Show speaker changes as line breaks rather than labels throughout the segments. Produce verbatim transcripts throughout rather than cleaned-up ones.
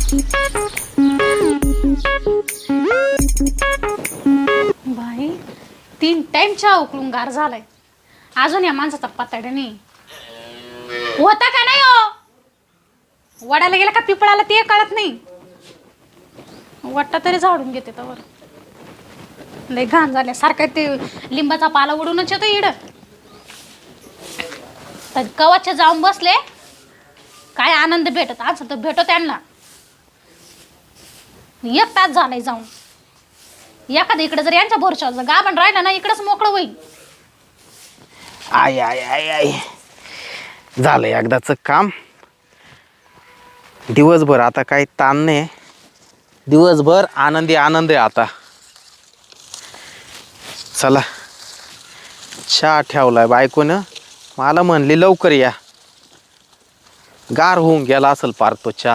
भाई तीन टाइम चहा उकळून गार झालाय, अजून या माणसाचा पत्ता नाही होता का नाही हो. वडाला गेला का पिपळाला ते कळत नाही. वाटतं तरी झाडून घेते त्यावर. लय घाण झाल्यासारखं ते लिंबाचा पाला उडूनच येतो इड. तर कवाचे जाऊन बसले काय आनंद भेटत आज तर भेटो त्यांना. एक तास झालाय जाऊन. एखादं इकडे जर यांच्या भरोशावर गाभण राहिला ना इकडेच मोकळं होईल.
आय आय आय आय झालं एकदाच काम. दिवसभर आता काही ताण नाही. दिवसभर आनंदी आनंद आहे आता. चला चहा ठेवलाय बायकोनं. मला म्हणली लवकर या. गार होऊन गेला असेल पार तो चहा.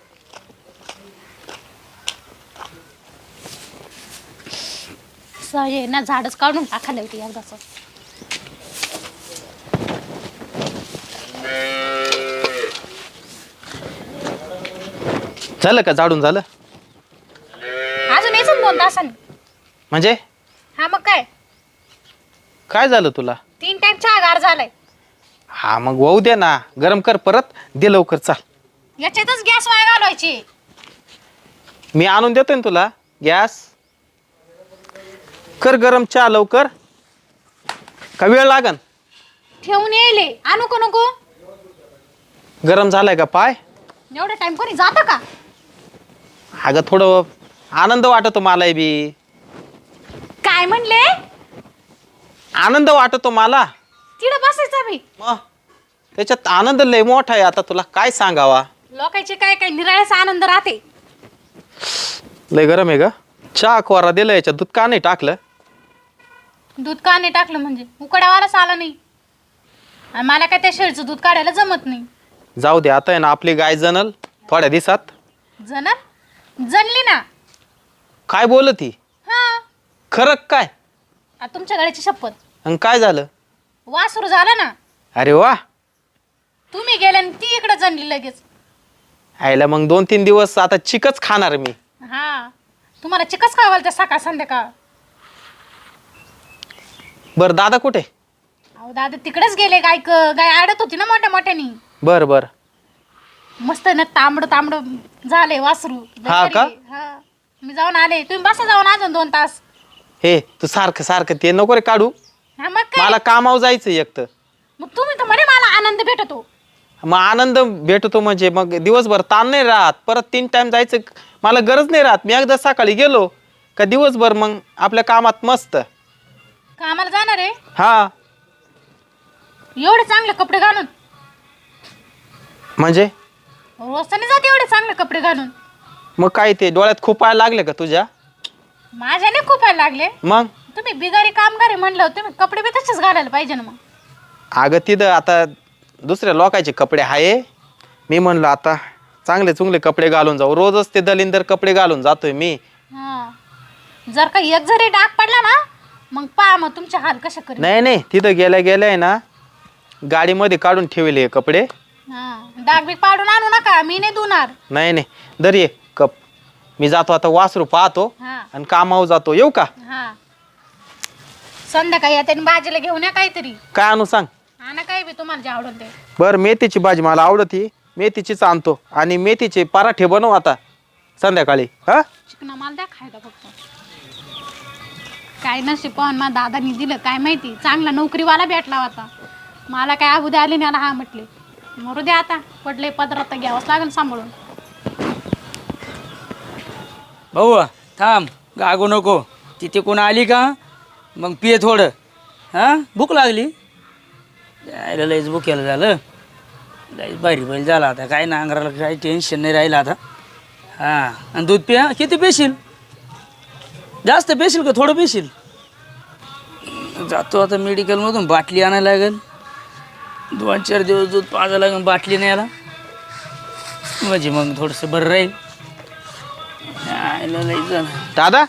हे ना झाडच काढून टाकायला होती एकदाच.
झालं का झाडून झालं?
अजून यायचं दोन तासांनी.
म्हणजे
हा मग काय
काय झालं तुला?
तीन टाइम चहा गार झालाय.
हा मग वाहू दे ना. गरम कर परत दे लवकर. चाल
याच्यातच गॅस वाया घालवायची.
मी आणून देतोय ना तुला गॅस. कर गरम चहा लवकर. का वेळ लागन?
ठेवून येईल. आणू का नको?
गरम झालाय का पाय?
एवढा टाइम कोणी जातं का?
अगं थोडं आनंद वाटतो मला बी.
काय म्हणले?
आनंद वाटतो मला.
तिकडं बसायचा मी.
मग त्याच्यात आनंद लय मोठा आहे. आता तुला काय सांगावा.
लोकांचे काय काय निराळ्याचा आनंद राहते.
लय गरम आहे ग. चहा कोरा दिलं याच्यात दूध का नाही टाकलं?
दूध का नाही टाकलं म्हणजे उकड्यावालाच आला नाही. आणि मला काय त्या शेळीचं दूध काढायला जमत नाही.
जाऊ दे आता आहे ना. आपली गाय जनल थोड्या दिवसात.
जनल जनली ना.
काय बोलत ही?
हा
खरं काय?
आ, तुमच्या गाडीची शपथ.
आणि काय झालं?
वासरू झालं ना.
अरे वा.
तुम्ही गेले आणि ती इकडे जनली लगेच.
आयला मग दोन तीन दिवस आता चिकच खाणार मी.
हा तुम्हाला चिकच खावा घालते सकाळ संध्याकाळ.
बर दादा कुठे?
अहो दादा तिकडेच गेले. गाय गाय आडत होती ना मोठ्या मोठ्यानी.
बर बर.
मस्त ना तांबड तांबड झाले वासरू.
हा का?
हा मी जाऊन आले. तुम्ही बसा जाऊन अजून दोन तास.
हे तू सारखं सारखं ते नको रे काढू.
हा मग काय?
मला कामावर जायचं एक तर.
मग तुम्ही तर म्हणे मला आनंद भेटतो.
मग आनंद भेटतो म्हणजे मग दिवसभर ताण नाही राहत. परत तीन टाइम जायचं मला गरज नाही राहत. मी एकदा सकाळी गेलो का दिवसभर मग आपल्या कामात मस्त.
कामाला जाणार आहे?
हा
एवढे चांगले कपडे घालून?
म्हणजे
रोजने जाते एवढे चांगले कपडे घालून.
मग काय ते डोळ्यात खूप पाय लागले का तुझ्या?
माझ्याने खूप लागले.
मग
तुम्ही बिगारी कामगार आहे म्हणलं तुम्ही कपडे बी तसेच घालायला पाहिजे ना. मग
अगं तिथं आता दुसऱ्या लोकांचे कपडे आहे. मी म्हणलं आता चांगले चुंगले कपडे घालून जाऊ. रोजच ते दलिंदर कपडे घालून जातोय मी.
हा जर का एक जरी डाग पडला ना मग पहा मग तुमचे हाल कशा करेल.
नाही नाही तिथं गेल्या गेल्या आहे ना गाडीमध्ये काढून ठेवले कपडे.
हा डाग बी पाडून आणू नका. मी नाही धुणार.
नाही नाही दर ये कप. मी जातो आता वासरू पाहतो
हा
आणि कामावर जातो. येऊ का?
हा संध्याकाळी या त्यांनी भाजीला घेऊन या काहीतरी.
काय आणू सांग?
आणा काही बी तुम्हाला जे आवडेल ते.
बर मेथीची भाजी मला आवडती. मेथीचीच आणतो. आणि मेथीचे पराठे बनव आता संध्याकाळी. हा
चिकना माल द्या खायला फक्त. काय नशीब पण माझ्या दादानी दिलं काय माहिती. चांगला नोकरीवाला भेटला होता. मला काय अगोदर आले नाही. हा म्हटले मरू द्या आता पडले पदरात घ्यावंच लागेल सांभाळून.
भाऊ थांब गागू नको. तिथे कोण आली का मग पिये थोडं. हां भूक लागली. यायला लईच भुकेलं झालं. लईच बारी बैल झाला आता. काय ना अंगाला काही टेन्शन नाही राहिलं आता. हां आणि दूध पिया. किती पेशील? जास्त पेशील का थोडं पेशील? जातो आता मेडिकलमधून बाटली आणायला लागेल. दोन चार दिवस दूध पाजायला लागेल बाटली न्यायला म्हणजे मग थोडंसं बरं राहील. यायला लई झालं.
दादा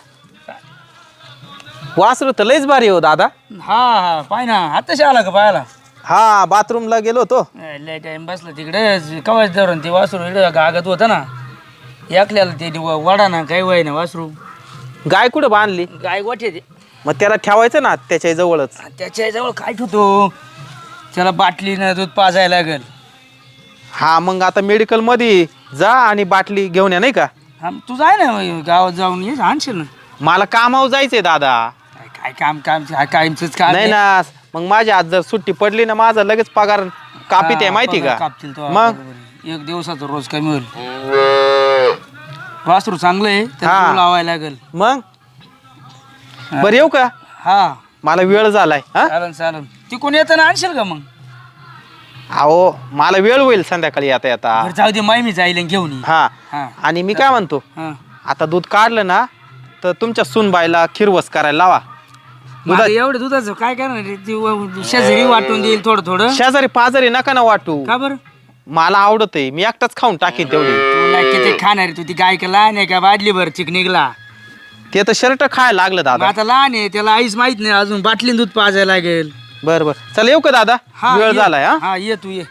वासरू तर लयच भारी हो दादा.
हा हा पाय ना आताशी आला का पायाला?
हा बाथरूमला गेलो होतो.
लय टाइम बसला तिकडे कवाच धरून ते वासरू इकडे गागत होतं ना. एकल्याला ते वडा ना काही वय ना वासरू
गाय कुठं बांधली
गाय गोठे ते
मग त्याला ठेवायचं ना त्याच्या जवळच.
त्याच्या जवळ काय ठेवतो त्याला बाटलीनं दूध पाजायला लागेल.
हा मग आता मेडिकल मध्ये जा आणि बाटली घेऊन या नाही का.
हा तू जाय ना मग गावात जाऊन ये आणशील ना.
मला कामावर जायचंय दादा.
काय काम काम कायमच काम
नाही ना मग माझ्या आज जर सुट्टी पडली ना माझा लगेच पगार कापीत आहे माहिती का.
कापतील तो
मग
एक दिवसाचा रोज कमी होईल. वासरू चांगलं आहे त्याला लावायला लागेल.
मग बरं येऊ का.
हा
मला वेळ झालाय. हा
चालन चालन ती कोणी येताना आणशील का मग.
अहो मला वेळ होईल संध्याकाळी येता येता.
बरं जाऊ दे माय मी जाईल घेऊन ये.
हा
हा
आणि मी काय म्हणतो
हा
आता दूध काढलं ना तर तुमच्या सुनबाईला खिरवस करायला लावा.
दुधा एवढं दुधाचं काय करणार रे? ती व- शेजारी वाटून देईल थोडं थोडं.
शेजारी पाजारी नका ना वाटू.
का बरं
मला आवडत आहे मी एकटाच खाऊन टाकीन तेवढी.
तू नाही किती खाणार आहे? तू ती गाय का लहान आहे का बादली भर चिक निघला.
ते तर शर्ट खायला लागलं
मग
दादा.
आता लहान आहे त्याला आईच माहित नाही अजून बाटलीन दूध पाजायला लागेल.
बर बर चल येऊ का दादा.
हा
वेळ
ये.
झालाय. हा
हा ये तू ये.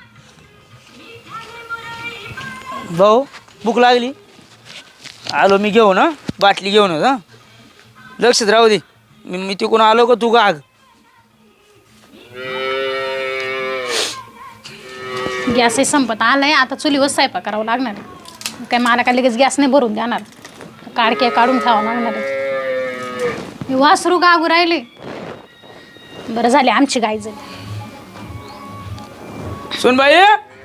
भाऊ भूक लागली आलो मी घेऊन हा बाटली घेऊन हा लक्षात राहू दे. मी मी तिकडून आलो का तू गाग.
गॅसही संपत आलाय आता चुलीवर स्वयंपाक करावं लागणार आहे. काय मला काय लगेच गॅस नाही भरून देणार. काडके काढून खावं लागणार आहे. मी वासरू गागू राहिले. बरं झाले आमची गाय झाली.
सुन बाई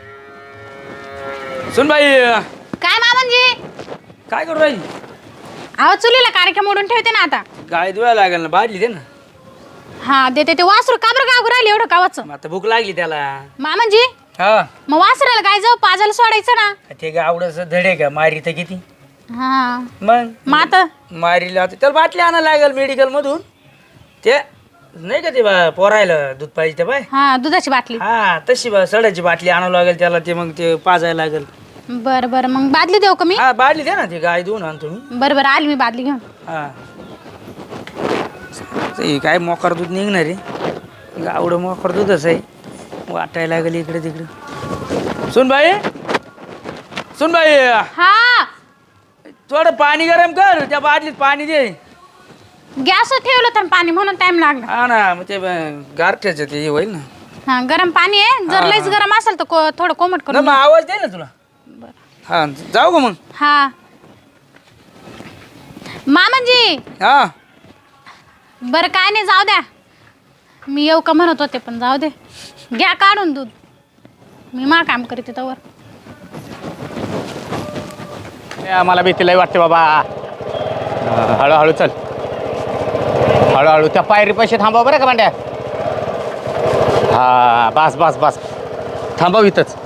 सुन बाई
काय मामांजी
काय करू राहिली.
अहो चुलीला काडके मोडून ठेवते ना आता.
गाय धुवायला लागेल ना बाटली दे ना.
हा देते ते वासरू का बरं गागू राहिले एवढं कावाचं.
मग आता भूक लागली त्याला.
मामांजी
हा
मग वासराला काय जाऊ पाजायला सोडायचं ना.
ते गावडच धडे का मारी तर किती.
हा
मग
मग आता
मारीला आता त्याला बाटली आणायला लागेल मेडिकल मधून. ते नाही का ते बा पोरायला दूध पाहिजे ते बाय.
हा दुधाची बाटली.
हा तशी बा सडाची बाटली आणावं लागेल त्याला. ते मग ते पाजायला लागेल.
बरं बरं मग बादली देऊ का मी.
हा बाटली दे ना ती गाय धुवून आणतो मी.
बरं बरं आली मी बादली घेऊन.
हा ते काय मोकार दूध निघणार आहे. गावडं मोकार दूधच आहे. वाटायला लागेल इकडे तिकडे. सुन बाई सुन बाई
हा
थोडं पाणी गरम कर त्या बाटलीत पाणी दे.
गॅस ठेवलं तर पाणी म्हणून टाइम लागला.
हा ना मग ते गारठ्याचं ते हे होईल ना.
हा गरम पाणी आहे जर लईच गरम असेल तर को- थोडं कोमट
ना
करून
मग आवाज दे ना तुला. हा जाऊ का मग.
हा मामांजी
हा
बरं काय नाही जाऊ द्या. मी येऊ का म्हणत होते पण जाऊ दे. घ्या काढून दूध मी मा काम करीते तवर.
मला भीती लई वाटते बाबा. हळूहळू चल हळूहळू त्या पायरी पैसे थांबव बरं का भांड्या. हा बस बस बस थांबव इथंच.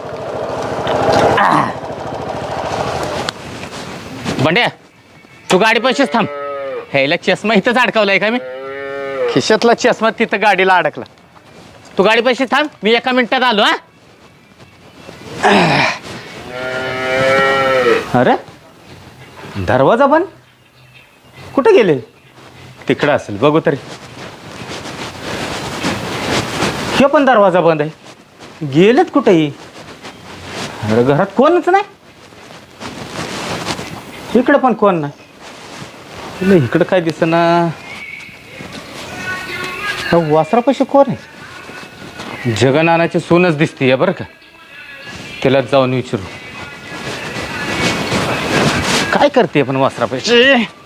भांड्या तू गाडी पैसेच थांब. ह्याला चष्मा इथंच अडकवलाय का मी. खिशातला चष्मा तिथं गाडीला अडकला. तू गाडी पैसे थांब मी एका मिनिटात आलो. हा अरे दरवाजा बंद कुठे गेले. तिकडं असेल बघू तरी. हे पण दरवाजा बंद आहे. गेलेत कुठेही. अरे घरात कोणच नाही. इकडं पण कोण नाही. इकडं काय दिसेना. वासरापाशी कोण आहे. जगनानाची सूनच दिसतीये बरं का. तिला जाऊन विचारू काय करते पण वासरापाशी.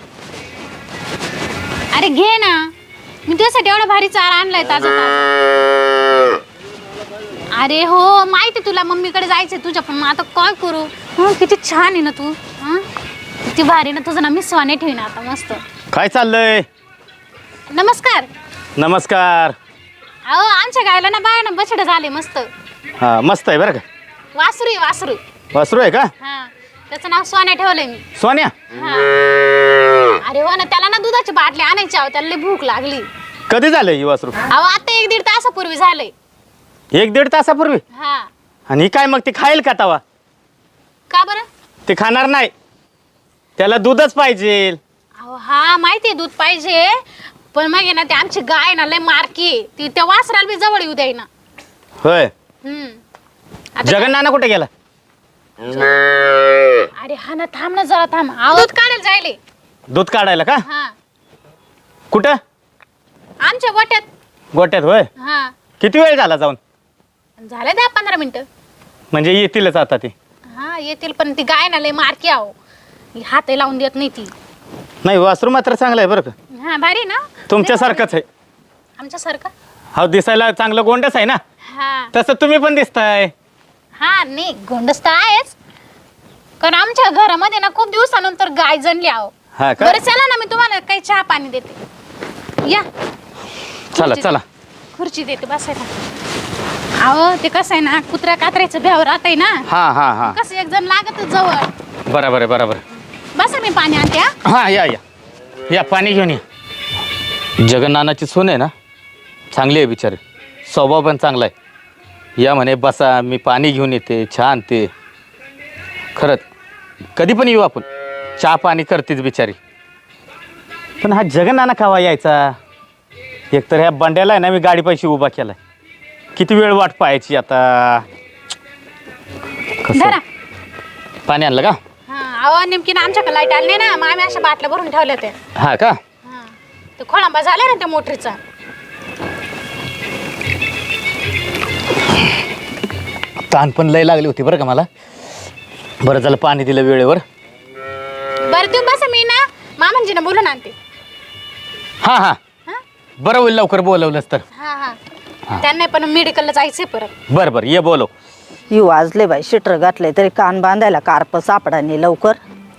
अरे घे ना मी तुझ्यासाठी एवढा भारी चारा आणलाय ताजा ताजा. अरे हो माहिती तुला मम्मीकडे जायचंय तुझ्या पण मग आता काय करू. हं, किती छान आहे ना तू. हं? किती भारी ना तुझं ना मी स्वाने ठेवीन आता मस्त.
काय चाललंय.
नमस्कार.
नमस्कार.
अहो आमच्या गायला ना बाय ना बछड झाले मस्त.
हा मस्त आहे बरं का.
वासरू आहे वासरू.
वासरू आहे का.
हा त्याचं नाव सोन्या ठेवलंय मी.
सोन्या.
हा अरे हो ना त्याला ना दुधाची बाटली आणायची अहो त्याला लई भूक लागली.
कधी झालं ही वासरू.
अहो आता एक दीड तासापूर्वी झालंय.
एक दीड तासापूर्वी.
हा
आणि काय मग ती खाईल का तवा.
का बरं.
ते खाणार नाही. त्याला दूधच पाहिजे.
अहो हा माहिती आहे दूध पाहिजे पण मग आहे ना ते आमची गाय ना लय मारकी आहे. ती त्या वासराला बी जवळ येऊ द्याय ना.
होय.
हम्म आता
जगन नाना कुठे गेला.
अरे हा ना, थांब ना जरा थांब. आहो, दूध काढायला जायले.
दूध काढायला का?
हा,
कुठं?
आमच्या गोट्यात.
गोट्यात होय.
हा,
किती वेळ झाला जाऊन?
झाले दहा पंधरा मिनिटं.
म्हणजे येतीलच आता ती.
हा येतील, पण ती गाय ना लय मारकी आहो. हात लावून देत नाही ती.
नाही वासरू मात्र चांगलं आहे बरं का.
हा भारी ना.
तुमच्यासारखंच आहे.
आमच्यासारखं.
हो दिसायला चांगलं गोंडच आहे ना.
हा
तसं तुम्ही पण दिसताय.
हा नाही गोंडस तर आहेच, कारण आमच्या घरामध्ये ना खूप दिवसानंतर गाय जणली आहो.
हा का?
बरं चला ना, मी तुम्हाला काही चहा पाणी देते. या
चला
खुर्ची-
चला.
खुर्ची देते बसायला. अहो ते कसं आहे ना, कुत्र्या कात्र्याचं भ्याव राहत आहे ना.
हा हा हा
कसं एक जण लागत जवळ.
बरोबर आहे बरोबर.
बसा, मी पाणी आणते. हा?
हा या या या पाणी घेऊन या. जगन्नाथाची सून आहे ना, चांगली आहे बिचारी, स्वभाव पण चांगला आहे. या म्हणे बसा, मी पाणी घेऊन येते, चहा आणते. खरंच कधी पण येऊ आपण, चहा पाणी करतेच बिचारी. पण हा जगन्नाना कावा यायचा? एकतर ह्या बंड्याला आहे ना मी गाडी पैसे उभा केलाय, किती वेळ वाट पाहायची आता. कसं?
धरा.
पाणी आणलं का?
हा अहो नेमकी ना आमच्याकडे लाईट आली नाही ना, मग आम्ही अशा बाटल्या भरून ठेवल्या त्या.
हा का?
हा ते खोळंबा झाला ना त्या मोटरीचा.
ताण पण लय लागली होती बरं का मला. बरं झालं पाणी दिलं वेळेवर.
बरं तुम्ही बसा, मी ना मामांजीना बोलून आणते.
हां हां
हा
बरं होईल लवकर बोलवलंच तर.
हा हा त्यांना पण मेडिकलला जायचंय परत.
बरं बरं ये बोलव.
यू वाजले बाई, शिटर घातले तरी कान बांधायला कार्प सापडा नाही लवकर.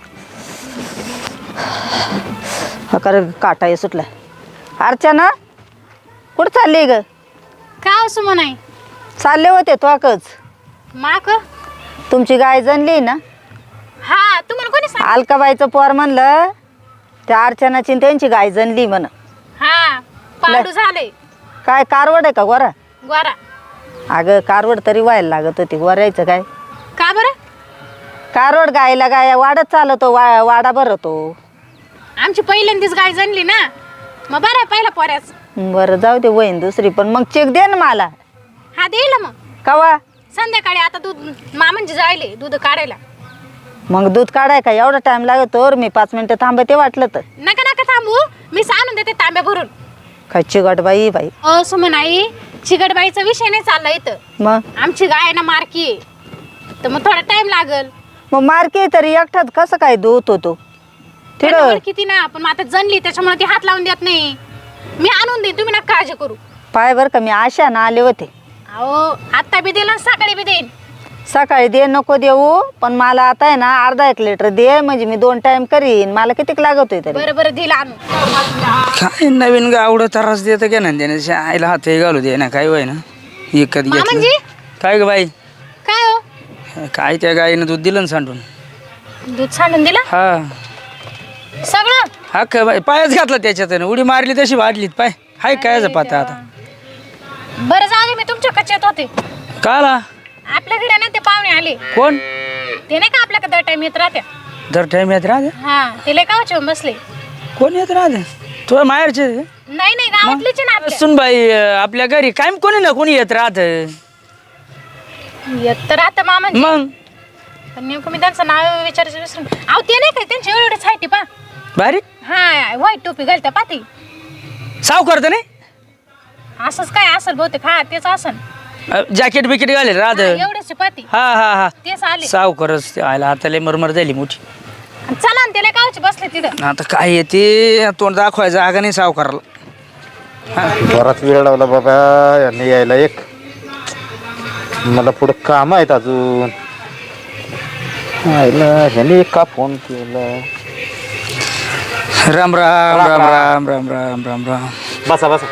हा कर काटा हे सुटलाय. अर्चना कुठं चालली ग?
का असं म्हणाय
चालले होते त्वाकच.
माक.
तुमची गाय जनली ना,
हा तुम्हाला कोणी सांग.
अलकाबाईचं पोर म्हणलं त्या अर्चनाची न त्यांची गाय जनली म्हण.
हा पाडू झाले.
काय कारवड आहे का गोरा?
गोरा.
अगं कारवड तरी व्हायला लागत होती, गोरायचं काय?
का बरं?
कारवड गायला गाय वाढत चालतो, वा वाडा भरतो.
आमची पहिल्यांदीच गाय जणली ना, मग बरं आहे पहिला पोऱ्याच.
बरं जाऊ दे, वहीन दुसरी पण मग चेक दे ना मला.
हा देईल मग
कवा?
संध्याकाळी. आता दूध मामांजी जायले दूध काढायला.
मग दूध काढाय का एवढा टाइम लागतो? मी पाच मिनिटं थांबते वाटलं तर.
नका नका थांबू, मी सांगून देते तांब्या भरून.
काय चिकट बाई बाई.
अ सुमनाई, चिकटबाईचा विषय नाही चालला इथं.
मग
आमची गाय ना मारकी आहे, तर मग थोडा टाइम लागल.
मग मार्के तरी एकठात कसं काय दूध होतो तिथं?
किती ना, पण मग आता जणली त्याच्यामुळे ती हात लावून देत नाही. मी आणून देईन, तुम्ही नका काळजी करू.
पाय बर का, मी आशा ना आले होते.
अहो आत्ता बी देईल आणि सकाळी बी देईन.
सकाळी दे नको देऊ, पण मला आता आहे ना अर्धा एक लिटर दे, म्हणजे मी दोन टाइम करीन. मला कितीक लागत होय तरी.
बरं बरं देईल आणून.
काय नवीन गावडं त्रास देतं का ना त्याने आईला हात हे घालू दे ना, काय वय ना विकत घेतलं.
मामांजी
काय ग बाई?
काय हो?
काय त्या गाईनं दूध दिलं ना सांडून.
दूध सांडून दिलं
हा
सगळं?
हा का बाई, पायच घातला त्याच्यात उडी मारली तशी वाढलीत पाय. हाय काय पाहता आता.
बरं जाऊ दे, मी तुमच्या कचेत होते.
काला
आपल्याकडे ना ते पाहुणे आले,
कोण?
ते नाही का आपल्याकडे दर टाइम येत राहत्या.
दर टाइम येत राहते.
हा ते लय कावचे बसले.
कोण येत राहते? तुझ्या माहेरचे?
नाही नाही गावातलीच आहे ना आपल्या.
सुन बाई, आपल्या घरी काय कोणी ना कोणी येत राहत.
येत तर राहतं मामांजी,
मग
पण नेमकं मी त्यांचं नाव विचारायचं विसरून. अहो ते नाही काय त्यांचे एवढेच हायटी पा.
बारीक
हा व्हाईट टोपी घालत्या पाती.
साव करत नाही.
असंच काय असेल बहुतेक. हा तेच असन.
जॅकेट बिकेट घालेल राहत.
एवढेच पाती.
हा हा हा
तेच आले.
साव करस ते आयला हाताला मरमर झाली मोठी.
चला ना, त्याला कावचे बसले तिथं.
आता काय येते तोंड दाखवायचं जागा नाही साव करायला.
बराच वेळ लावला बाबा यांनी यायला. एक मला पुढं काम आहेत अजून. आईला ह्याने का फोन केला?
राम राम राम राम राम राम राम राम.
बसा बसा.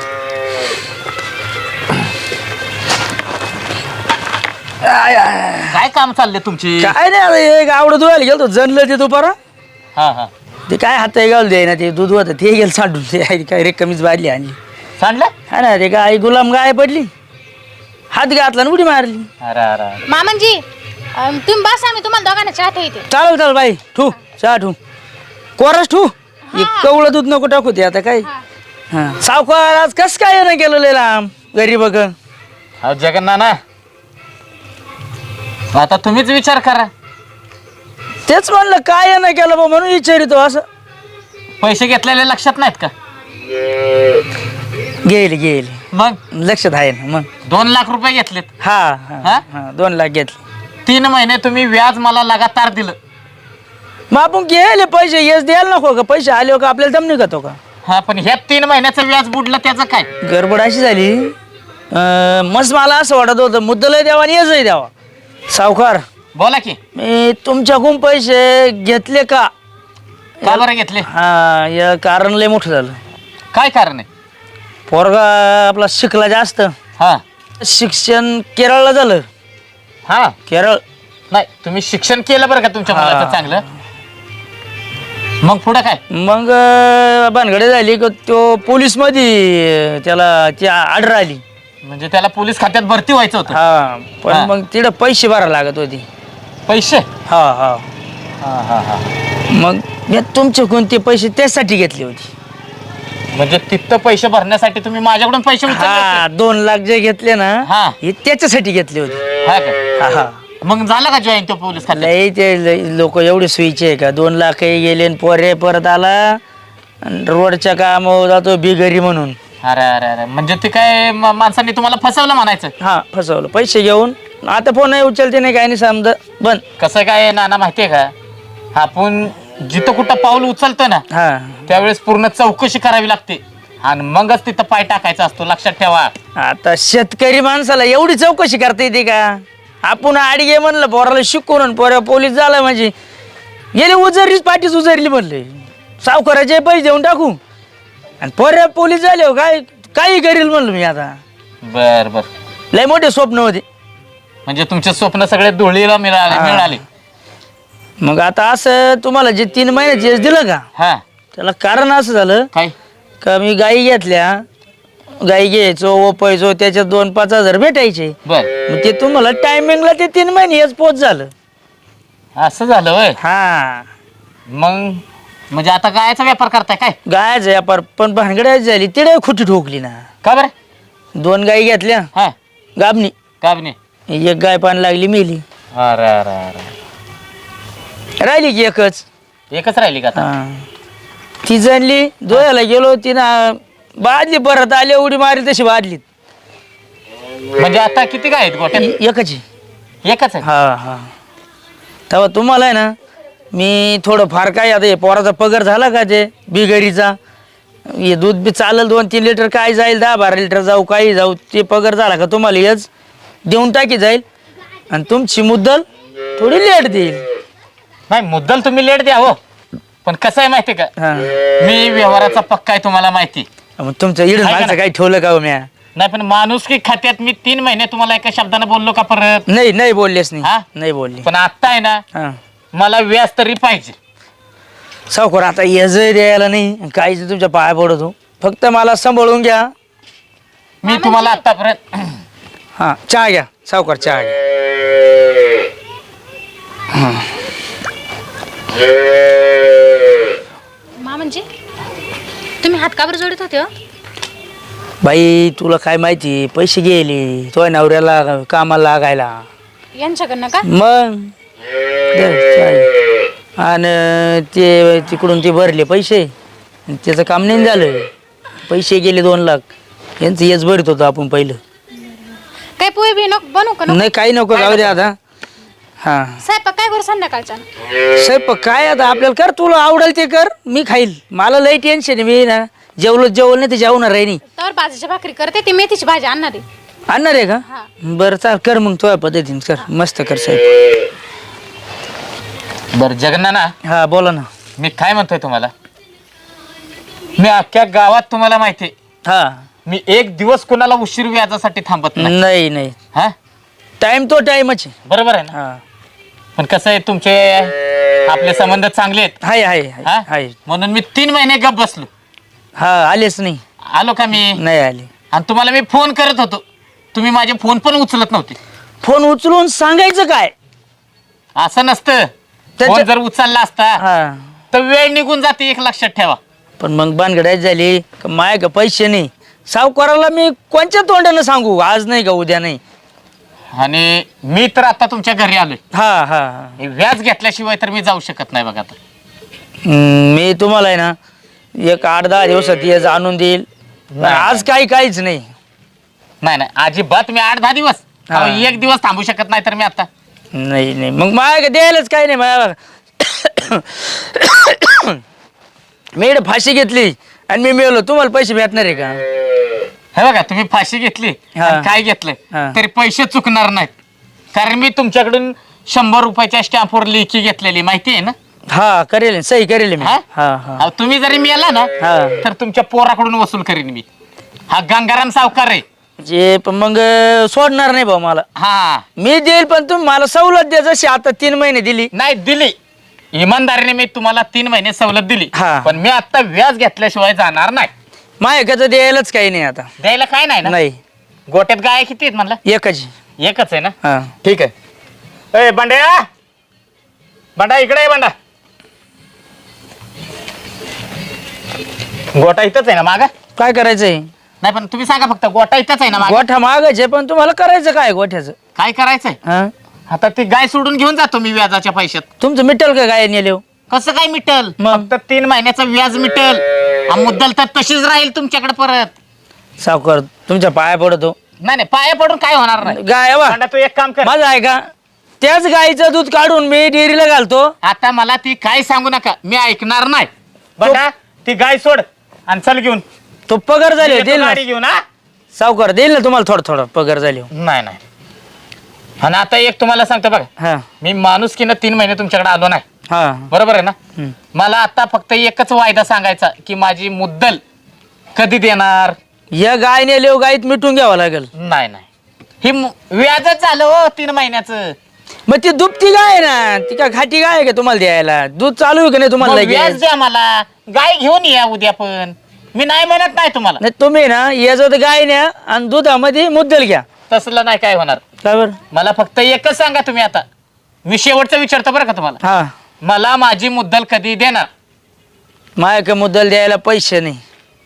काय काम चालले तुमची?
काय नाही, आता एक आवडं धुवायला गेलो जनलं ते दुपारा.
हा हा
ते काय हात घालू दे ना, ते दूध होतं ते गेलं सांडून. ते आहे काय रे कमीच बादली आणली.
सांडलं?
हा ना, ते गाय गुलाम गाय पडली, हात घातला आणि उडी मारली.
अरे अरे
मामांजी अं, तुम्ही बसा, मी तुम्हाला दोघांना चहा ठेवते.
चालेल चालेल बाई, ठू चहा ठू कोरस ठू. एक कवळं दूध नको टाकू ते आता काय. हा सावकार आज कस काय नाही केलं लय लांब घरी बघ.
हा जगन्नाना, आता तुम्हीच विचार करा.
तेच म्हणलं काय नाही केलं बा म्हणून विचारितो असं.
पैसे घेतलेले लक्षात नाहीत का?
गेली गेली
मग
लक्षात आहे ना. मग
दोन लाख रुपये घेतलेत.
हा हा
हा?
हा, दोन लाख घेतले.
तीन महिने तुम्ही व्याज मला लगातार दिलं.
मग आपण गेले पैसे येस द्यायला नको का? पैसे आले हो का आपल्याला दम निघतो का?
हा पण ह्या तीन महिन्याचं व्याज बुडलं त्याचं काय?
गडबड अशी झाली अं, मस्त मला असं वाटत होतं मुद्दलही द्यावा आणि येसही द्यावा. सावकार
बोला की.
मी तुमच्याकडून पैसे घेतले का?
का बरं घेतले?
हा या कारण लय मोठं झालं.
काय कारण आहे?
पोरगा आपला शिकला जास्त.
हा
शिक्षण केरळला झालं.
हा
केरळ
नाही तुम्ही शिक्षण केलं बरं का तुमच्या
हा.
मुलाचं चांगलं. मग पुढं काय?
मग अं, भानगडे झाली का तो पोलीस मध्ये त्याला ती ऑर्डर आली.
म्हणजे त्याला पोलीस खात्यात भरती व्हायचं होतं.
हा पण
हा.
मग तिकडं पैसे भरायला लागत होती.
पैसे?
हा हा
हा हा हा
मग मी तुमच्याकडून ते पैसे त्यासाठी घेतले होते.
म्हणजे तिथं पैसे भरण्यासाठी तुम्ही माझ्याकडून पैसे उचलले
हा
होते?
दोन लाख जे घेतले ना
हा.
हे त्याच्यासाठी घेतले होते.
हा का?
हा हा
मग झालं का जॉईन तो पोलीस खात्यात?
लय ते लोक एवढे सोयीचे आहे का? दोन लाखही गेले आणि पोरे परत आला आणि रोडच्या कामावर जातो बिगरी म्हणून.
अरे अरे अरे म्हणजे ते काय म- माणसांनी तुम्हाला फसवलं म्हणायचं?
हा फसवलं पैसे घेऊन. आता फोन नाही उचलते नाही काय नाही समजा बंद.
कसं काय नाना माहितीये का? आपण जिथं कुठं पाऊल उचलतो ना
हा
त्यावेळेस पूर्ण चौकशी करावी लागते आणि मगच तिथं पाय टाकायचा असतो. लक्षात ठेवा.
आता शेतकरी माणसाला एवढी चौकशी करता येते का? आपण आडगे म्हणलं पोराला शिकवून पोरा पोलीस झाला म्हणजे गेले उजरलीच पाठीच उजरली म्हणले सावकाराचे पैसे देऊन टाकू आणि पोऱ्या पोलीस झाले हो काय काही करील म्हणलं मी. आता
बर बर
लय मोठे स्वप्न होते.
म्हणजे तुमचे स्वप्न सगळे धुळीला मिळाले
हा.
मिळाले.
मग आता असं तुम्हाला जे तीन महिन्याचे यश दिलं का
हा
त्याला कारण असं झालं
काय?
का मी गाई घेतल्या गाई घ्यायचो ओपायचो त्याच्यात दोन पाच हजार भेटायचे.
बर
मग ते तुम्हाला टायमिंगला ते तीन महिने हेच पोच झालं.
असं झालं वय.
हा
मग म्हणजे आता गायचा व्यापार करताय काय?
गायच व्यापार पण भानगडायची झाली तिडे खुटी ठोकली ना.
का बरं?
दोन गाई घेतल्या
हा
गाबणी
का बी नाही?
एक गाय पाणी लागली मेली.
अरे अरे अरे
राहिली की एकच.
एकच राहिली का आता?
हा ती जाणली दोयाला गेलो तिनं बादली परत आली उडी मारी तशी बादलीत.
म्हणजे आता किती गाय आहेत गोट्यात?
एकच आहे.
एकच आहे.
हा हा तेव्हा तुम्हाला आहे ना मी थोडं फार काय आता हे पोराचा पगार झाला का ते बिगरीचा हे दूध बी चालेल दोन तीन लिटर काय जाईल दहा बारा लिटर जाऊ काही जाऊ ते पगार झाला का तुम्हाला हेच देऊन टाकी जाईल आणि तुमची मुद्दल थोडी लेट देईल.
नाही मुद्दल तुम्ही लेट द्या हो पण कसं आहे माहिती का?
हा
मी व्यवहाराचा पक्का आहे तुम्हाला माहिती.
मग तुमचं इडून
ऐका ना.
मागचं काही ठेवलं का हो म्या?
नाही पण माणूस की खात्यात मी तीन महिने तुम्हाला एका शब्दाने बोललो का परत?
नाही नाही बोललेच नाही.
हा?
नाही बोलले.
पण आता आहे ना
हा
मला व्याज तरी पाहिजे.
सावकार आता यज द्यायला नाही काहीच तुमच्या पाया पडतो फक्त मला सांभाळून घ्या.
मी तुम्हाला आतापर्यंत
हा चहा घ्या सावकार चहा घ्या.
मा म्हणजे तुम्ही हात का बरं जोडत होते हो?
बाई तुला काय माहिती पैसे गेले तो नवऱ्याला कामाला लागायला.
यांच्याकडनं का?
मग दे चहा. आणि ते तिकडून ते भरले पैसे आणि त्याचं काम नाही झालं. पैसे गेले दोन लाख यांचं हेच भरत होतं आपण पहिलं.
काय पोहे बी नको बनवू का नको?
नाही काही नको जाऊ दे आता. हा
स्वयंपाक काय करू संध्याकाळचा?
साहेब काय आता आपल्याला कर तुला आवडेल ते कर मी खाईल. मला लई टेन्शन आहे मी ना जेवलो जेवलं नाही ते जेवणार आहे नाही.
तर भाजीची भाकरी करते ती मेथीची भाजी आणणार आहे.
आणणार आहे का?
हा.
बरं चाल कर मग तुझ्या पद्धतीने कर मस्त कर साहेब.
बर जगन्नाना
हा बोला ना.
मी काय म्हणतोय तुम्हाला मी अख्ख्या गावात तुम्हाला माहिती
हा
मी एक दिवस कोणाला उशीर व्याजासाठी थांबत नाही.
नाही नाही
हा
टाइम तो टाइमच आहे.
बरोबर आहे ना?
हा
पण कसं आहे तुमचे आपले संबंध चांगले आहेत.
हाय हाय
हा?
हाय.
म्हणून मी तीन महिने गप बसलो.
हा आलेच नाही.
आलो का मी
नाही आले.
आणि तुम्हाला मी फोन करत होतो तुम्ही माझे फोन पण उचलत नव्हते.
फोन उचलून सांगायचं काय?
असं नसतं.
त्याच्या-
फोन जर उचलला असता
हा
तर वेळ निघून जाते एक लक्षात ठेवा.
पण मग भानगडायच झाली का माय का पैसे नाही सावकाराला मी कोणत्या तोंडानं सांगू आज नाही का उद्या नाही.
आणि मी तर आता तुमच्या घरी आलोय.
हा हा हा.
हे व्याज घेतल्याशिवाय तर मी जाऊ शकत नाही बघा आता.
हम्म, मी तुम्हाला आहे ना एक आठ दहा दिवसात ये आणून देईल. आज काही काहीच नाही.
नाही नाही अजिबात मी आठ दहा दिवस
हा.
अहो, एक दिवस थांबू शकत नाही तर मी आता.
नाही नाही मग माझ्या द्यायलाच काही नाही माझ्या. मी इकडे फाशी घेतली आणि मी मिळलो, तुम्हाला पैसे भेटणार आहे का?
हे बघा तुम्ही फाशी घेतली
हा.
आणि काय घेतलंय
हा.
तरी पैसे चुकणार नाहीत. कारण मी तुमच्याकडून शंभर रुपयाच्या स्टॅम्पवर लेखी घेतलेली माहिती आहे ना.
हा करेल सही करेल मी.
हा?
हा हा
अहो, तुम्ही जरी मिळाला ना
हा.
तर तुमच्या पोराकडून वसूल करीन मी. हा गंगाराम सावकार आहे.
जे पण मग सोडणार नाही भाऊ मला.
हा
मी देईल पण तुम्ही मला सवलत द्या जशी आता तीन महिने दिली.
नाही दिली इमानदारीने मी तुम्हाला तीन महिने सवलत दिली.
हा.
पण मी आता व्याज घेतल्याशिवाय जाणार नाही.
माझ्याकडे द्यायलाच काही नाही आता.
द्यायला काय नाही ना.
नाही
गोट्यात गाय किती आहेत म्हणला?
एकच.
एकच आहे ना.
हा
ठीक आहे. ए बंड्या बंडा इकडे आहे. बंडा गोटा इथंच आहे ना मागा?
काय करायचंय?
नाही पण तुम्ही सांगा फक्त गोटा इथंच आहे ना मागा?
गोठा मागायचे पण तुम्हाला करायचं काय गोठ्याचं?
काय करायचंय?
हा
आता ती गाय सोडून घेऊन जातो मी व्याजाच्या पैशात.
तुमचं मिटल का काय नेले?
कसं काय मिटल?
मग?
फक्त तीन महिन्याचं व्याज मिटल. आ, मुद्दल तर तशीच राहील तुमच्याकडे परत.
सावकार तुमच्या पाया पडतो.
नाही नाही पाया पडून काय होणार नाही.
गाय वा
बंडा, तू एक काम कर.
माझं आहे का? त्याच गाईचं दूध काढून मी डेअरीला घालतो.
आता मला ती काय सांगू नका, मी ऐकणार नाही. बघा ती गाय सोड आणि चल घेऊन.
तो पगार झाले
येतो
देईल ना
गाडी घेऊन. हा
सावकार, देईल ना तुम्हाला थोडं थोडं पगार झाले.
नाही नाही. आणि आता एक तुम्हाला सांगतो बघा,
हा
मी माणुसकीनं तीन महिने तुमच्याकडे आलो नाही.
हा
बरोबर आहे ना.
हम्म.
मला आता फक्त एकच वायदा सांगायचा की माझी मुद्दल कधी देणार.
या गाय नेले गाईत मिटून घ्यावं लागेल.
नाही नाही ही मु- व्याजच झालं हो तीन महिन्याचं.
मग ती दुपती गाय ना, ती का घाटी गाय आहे का तुम्हाला द्यायला? दूध चालू आहे का नाही तुम्हाला
मग
लगेच?
व्याज द्या मला. गाय घेऊन या उद्या पण. मी नाही म्हणत नाही तुम्हाला.
नाही तुम्ही ना याचं गाय न्या आणि दुधामध्ये मुद्दल घ्या.
तसलं नाही काय होणार.
काय बरं?
मला फक्त एकच सांगा तुम्ही आता. मी शेवटचं विचारतो बरं का तुम्हाला.
हा
मला माझी मुद्दल कधी देणार?
माझ्या मुद्दल द्यायला पैसे नाही.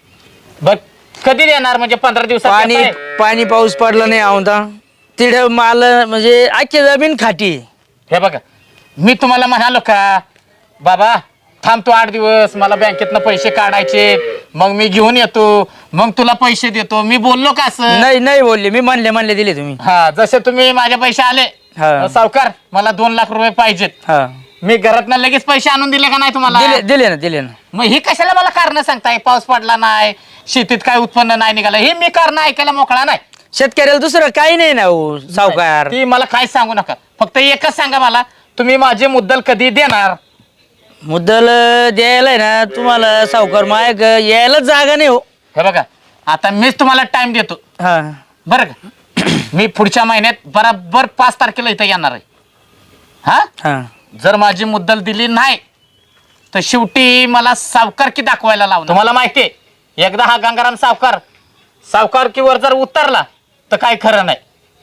बघ कधी देणार म्हणजे पंधरा दिवसात
पाणी
देताय?
पाणी पाऊस पडला नाही आवता तिथे माल म्हणजे आखी जमीन खाटी आहे.
हे बघा मी तुम्हाला म्हणालो का बाबा थांबतो आठ दिवस, मला बँकेतनं पैसे काढायचे, मग मी घेऊन येतो, मग तुला पैसे देतो. मी बोललो का असं?
नाही नाही बोलले मी, म्हणले म्हणले दिले तुम्ही.
हा जसे तुम्ही माझे पैसे आले
हा.
सावकार मला दोन लाख रुपये पाहिजेत,
हा
मी घरातनं लगेच पैसे आणून दिले का नाही तुम्हाला?
दिले दिले ना दिले ना.
मग ही कशाला मला कारण सांगताय? पाऊस पडला नाही, शेतीत काय उत्पन्न नाही निघालं, हे मी कारण ऐकायला मोकळा नाही.
शेतकऱ्याला दुसरं काही नाही ना हो सावकार.
ती मला काय सांगू नका, फक्त एकच सांगा मला, तुम्ही माझी मुद्दल कधी देणार?
मुद्दल द्यायला आहे ना तुम्हाला सावकार मायक यायला जागा नाही हो.
हे बघा आता मीच तुम्हाला टाइम देतो
हा
बरं का. मी पुढच्या महिन्यात बराबर पाच तारखेला इथं येणार आहे. हा
हा
जर माझी मुद्दल दिली नाही तर शेवटी मला सावकारकी दाखवायला लावणार. तुम्हाला माहिती आहे एकदा हा गंगाराम सावकार सावकारकीवर जर उतरला तर काय खरं नाही.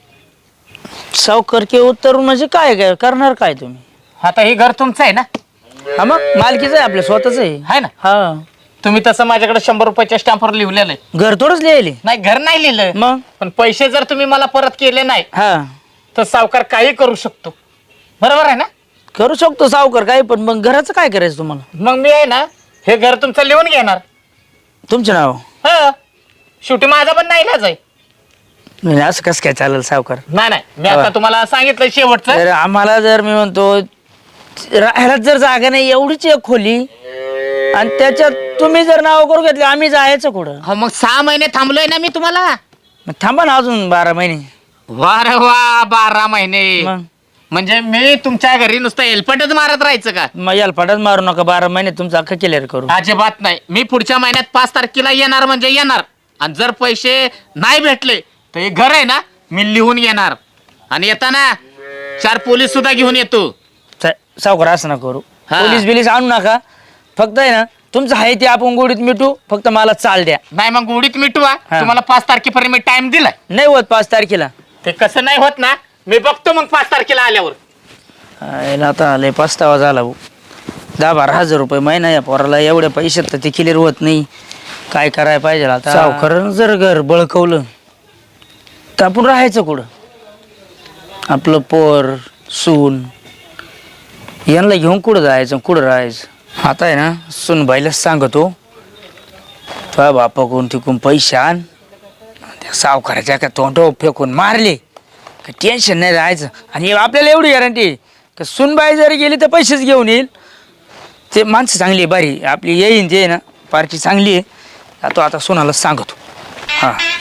सावकार के उत्तर म्हणजे काय काय करणार काय तुम्ही?
आता हे घर तुमचं आहे ना?
हा मग मालकीच आहे आपल्या स्वतःच आहे.
आहे ना?
हा
तुम्ही तसं माझ्याकडे शंभर रुपयाच्या स्टॅम्पवर लिहिलेलं आहे.
घर थोडंच लिहिले.
नाही घर नाही लिहिलं,
मग
पण पैसे जर तुम्ही मला परत केले नाही
हा
तर सावकार काही करू शकतो. बरोबर आहे ना?
करू शकतो सावकार काही, पण मग घराचं काय करायचं तुम्हाला?
मग मी आहे ना हे घर तुमचं लिहून घेणार.
तुमचं नाव?
हा शेवटी माझा पण नाही इलाज आहे.
म्हणजे असं कसं काय चालेल सावकार?
नाही नाही मी आता तुम्हाला सांगितलं शेवटचं.
तर आम्हाला जर मी म्हणतो राहायला जर जागा नाही एवढीच एक खोली आणि त्याच्यात तुम्ही जर नाव करू घेतले आम्ही जायचं कुठं?
हो मग सहा महिने थांबलोय ना मी तुम्हाला.
मग थांबा ना अजून बारा महिने.
वा रे वा बारा महिने
मग
म्हणजे मी तुमच्या घरी नुसतं एलपटच मारत राहायचं का?
मग याला पडत मारू नका, बारा महिने तुमचं अख्खा क्लिअर करू.
अजिबात नाही. मी पुढच्या महिन्यात पाच तारखेला येणार म्हणजे येणार. आणि जर पैसे नाही भेटले तर हे घर आहे ना मी लिहून घेणार. आणि येताना चार पोलीस सुद्धा घेऊन येतो.
सा- सावकार असं ना करू,
हा.
पोलीस बिलीस आणू नका. फक्त आहे ना तुमचं आहे ते आपण गोडीत मिटू, फक्त मला चाल द्या.
नाही मग गोडीत मिटवा.
हा.
तुम्हाला पाच तारखेपर्यंत मी टाइम दिलाय.
नाही होत पाच तारखेला.
ते कसं नाही होत ना, मी बघतो मग पाच तारखेला आल्यावर.
याला आता आले पस्तावा झाला भाऊ. दहा बारा हजार रुपये महिना या पोराला, एवढ्या पैशात तर ते क्लिअर होत नाही. काय करायला पाहिजे आता? सावकारानं जर घर बळकवलं तर आपण राहायचं कुठं? आपलं पोर सून यांना घेऊन कुठं जायचं कुठं राहायचं. आता आहे ना सूनबाईलाच सांगतो तुझ्या बापाकडून तिकून पैसे आण, त्या सावकाराच्या का तोंडावर फेकून मारले का टेन्शन नाही राहायचं. आणि आपल्याला एवढी गॅरंटी का सूनबाई जरी गेली तर पैसेच घेऊन येईल. ते माणसं चांगली आहे, बारी आपली येईन ते ना पार्टी चांगली आहे. तो आता सोनाला सांगतो. हां